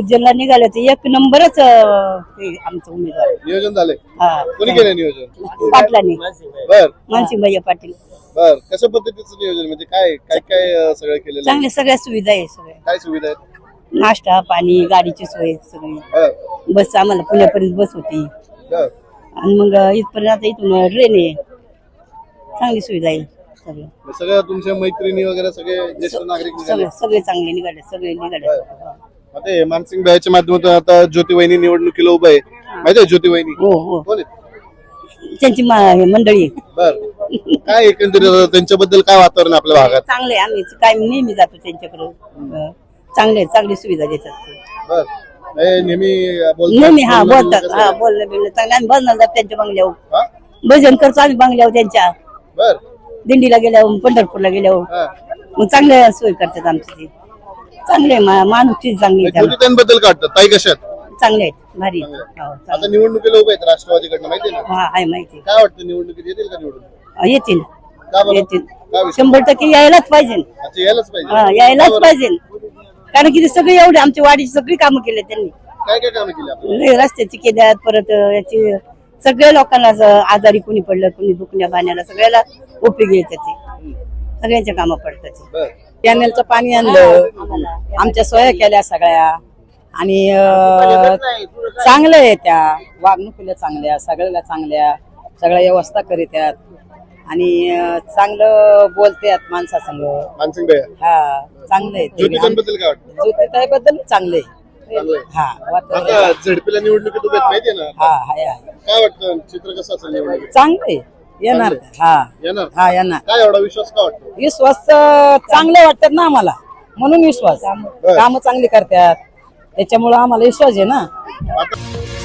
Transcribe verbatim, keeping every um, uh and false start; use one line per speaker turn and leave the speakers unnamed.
उज्जैनला निघाले ते एक नंबरच अं, ते आमचं उमेदवार
नियोजन झालंय
हा
कोणी केलं नियोजन
पाटलांनी
बर
मानसिंग भैया पाटील
बर कशा पद्धतीचं नियोजन म्हणजे काय काय काय अं, सगळं केलेलं आहे?
चांगल्या सगळ्या सुविधा आहे सगळ्या
काय सुविधा आहेत
नाश्ता पाणी गाडीची सोय सगळी
बर
बस आम्हाला पुण्यापर्यंत बस होती
बर
आणि मग इथपर्यंत आता इथून ट्रेन आहे चांगली सुविधा आहे सगळं
मग सगळं तुमच्या मैत्रिणी वगैरे सगळे ज्येष्ठ नागरिक निघाले
सगळे सगळे चांगले निघाले सगळे निघाले
आता हे मानसिंग भाईच्या माध्यमातून आता ज्योती वहिनी निवडणुकीला उभं आहे माहिती आहे ज्योती वहिनी
हो हो
कोण आहेत
त्यांची मा- हे मंडळी आहे.
बर काय एकंदरीत त्यांच्याबद्दल काय वातावरण आहे आपल्या भागात
चांगले आम्ही काय नेहमी जातो त्यांच्याकडे अं, चांगले चांगली सुविधा देतात ते.
बर हे नेहमी बोलतात
नेहमी हा
बोलणं
बोलतात
कसं
हा
आहे?
बोलणं बिलणं चांगलं आम्ही बसणार जातो त्यांच्या बंगल्यावर
हा?
भजन करतो आम्ही बंगल्यावर त्यांच्या
बर
दिंडीला गेल्यावर पंढरपूरला गेल्यावर
हा.
मग चांगले सोय करतात आमची ती चांगले माणूस ती चांगली आहे
ज्योती त्यांबद्दल काय वाटतं ताई कशात
त्याला. चांगले आहेत भारी आहेत. हो,
आता
चांगले.
निवडणुकीला उभे आहेत राष्ट्रवादीकडनं माहिती आहे ना
हा आहे माहिती
काय वाटतं निवडणुकीत येतील का निवडून
आहे. येतील
का बरं
येतील
काय विषय?
शंभर टक्के यायलाच पाहिजे
अच्छा, यायलाच पाहिजे
हा यायलाच पाहिजे कारण की ते सगळे एवढे आमच्या वाडीची सगळी कामं केले त्यांनी
काय काय कामं केली आपण
लय रस्त्याची केल्यात परत याची सगळ्या लोकांना असं आजारी कुणी पडलं कुणी दुखण्या बाण्याला सगळ्याला उपयोगी येतात ते सगळ्यांच्या कामं पडतात ते.
बर
कॅनेलचं पाणी आणलं आमच्या सोया केल्या सगळ्या आणि अं, चांगल्या आहे त्या वागणुकीला चांगल्या सगळ्याला चांगल्या सगळ्या व्यवस्था करीत्यात आणि अं, चांगलं बोलतात माणसासंग
मानसिंग भाई
हा चांगलं आहे
ज्योती
ते
त्यांबद्दल काय वाटतं
ज्योतिताईबद्दल चांगलं
चांगलं
आहे
आहे.
हा वातावरण
आता झेडपीला निवडणुकीत उभे आहेत माहिती आहे ना
हा हाय हाय
काय वाटतं चित्र कसं असेल निवडणुकीत
चांगलं आहे येणार
चांगलं
हा
येणार
हा येणार
काय एवढा विश्वास का वाटतो
विश्वास अं, चांगले वाटतात ना आम्हाला म्हणून विश्वास
बरं.
कामं चांगली करतात त्याच्यामुळे आम्हाला विश्वास आहे ना
आता